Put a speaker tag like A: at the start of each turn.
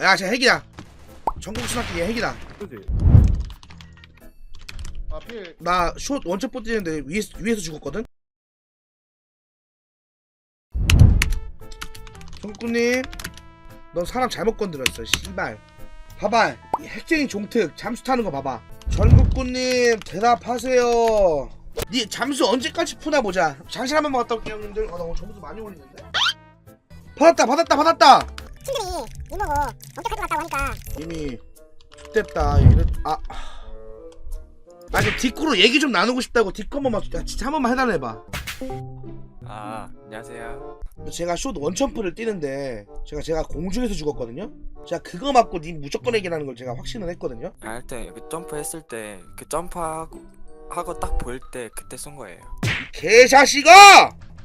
A: 야 쟤 핵이야. 전국 스나키 얘 핵이다.
B: 그지? 아 필.
A: 나 숏 원첩 뻗뛰는데 위에서 죽었거든. 전국님 넌 사람 잘못 건드렸어 씨발. 봐봐 이 핵쟁이 종특 잠수 타는 거 봐봐. 전국군님 대답하세요. 니 잠수 언제까지 푸나 보자. 장실 한 번만 갔다 올게요 형님들. 나 오늘 점수 많이 올리는데. 받았다.
C: 친들이 이모고 엄청 가지고 갔다고 하니까
A: 이미 X됐다 이래. 아니 디코로 얘기 좀 나누고 싶다고. 디코 한 번만 진짜 한 번만 해달래봐.
D: 아, 안녕하세요.
A: 제가 숏 원점프를 뛰는데 제가 공중에서 죽었거든요. 제가 그거 맞고 님 무조건 얘기라는 걸 제가 확신을 했거든요.
D: 할 때 그 점프 했을 때 그 점프하고 딱 보일 때 그때 쏜 거예요.
A: 개자식아!